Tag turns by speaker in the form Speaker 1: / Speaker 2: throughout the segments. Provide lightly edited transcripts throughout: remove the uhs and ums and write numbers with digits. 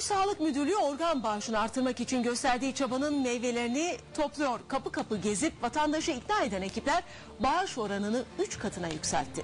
Speaker 1: Sağlık Müdürlüğü organ bağışını artırmak için gösterdiği çabanın meyvelerini topluyor. Kapı kapı gezip vatandaşı ikna eden ekipler bağış oranını 3 katına yükseltti.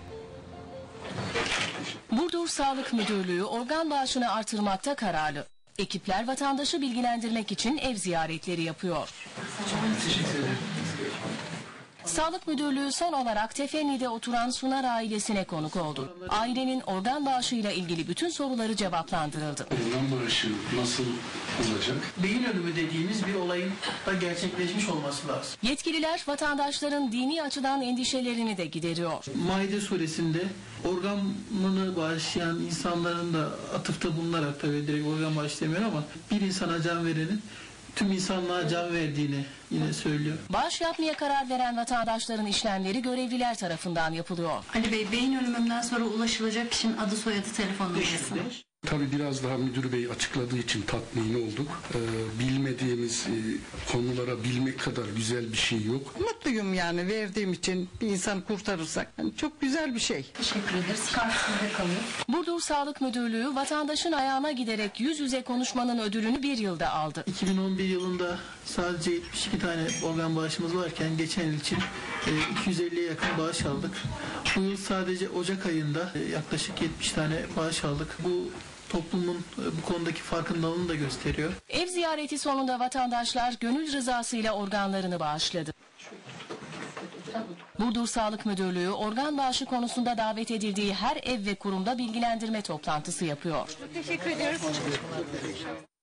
Speaker 1: Burdur Sağlık Müdürlüğü organ bağışını artırmakta kararlı. Ekipler vatandaşı bilgilendirmek için ev ziyaretleri yapıyor.
Speaker 2: Teşekkür ederim.
Speaker 1: Sağlık Müdürlüğü son olarak Tefenli'de oturan Sunar ailesine konuk oldu. Ailenin organ bağışıyla ilgili bütün soruları cevaplandırıldı.
Speaker 2: Organ bağışı nasıl olacak?
Speaker 3: Beyin ölümü dediğimiz bir olayın da gerçekleşmiş olması lazım.
Speaker 1: Yetkililer vatandaşların dini açıdan endişelerini de gideriyor.
Speaker 3: Maide suresinde organını bağışlayan insanların da atıfta bulunarak, tabii direkt organ bağışı demiyor ama bir insana can verenin tüm insanlığa can verdiğini yine söylüyor.
Speaker 1: Bağış yapmaya karar veren vatandaşların işlemleri görevliler tarafından yapılıyor.
Speaker 4: Ali Bey, beyin ölümümden sonra ulaşılacak kişinin adı, soyadı, telefon numarası.
Speaker 2: Tabii biraz daha müdür bey açıkladığı için tatmin olduk. Bilmediğimiz konulara bilmek kadar güzel bir şey yok.
Speaker 5: Mutluyum yani, verdiğim için bir insan kurtarırsak. Yani çok güzel bir şey.
Speaker 4: Teşekkür ederiz. Kart sizde kalıyor.
Speaker 1: Burdur Sağlık Müdürlüğü vatandaşın ayağına giderek yüz yüze konuşmanın ödülünü bir yılda aldı.
Speaker 3: 2011 yılında sadece 72 tane organ bağışımız varken geçen yıl için 250'ye yakın bağış aldık. Bu yıl sadece Ocak ayında yaklaşık 70 tane bağış aldık. Bu toplumun bu konudaki farkındalığını da gösteriyor.
Speaker 1: Ev ziyareti sonunda vatandaşlar gönül rızasıyla organlarını bağışladı. Burdur Sağlık Müdürlüğü organ bağışı konusunda davet edildiği her ev ve kurumda bilgilendirme toplantısı yapıyor.
Speaker 4: Teşekkür ediyoruz.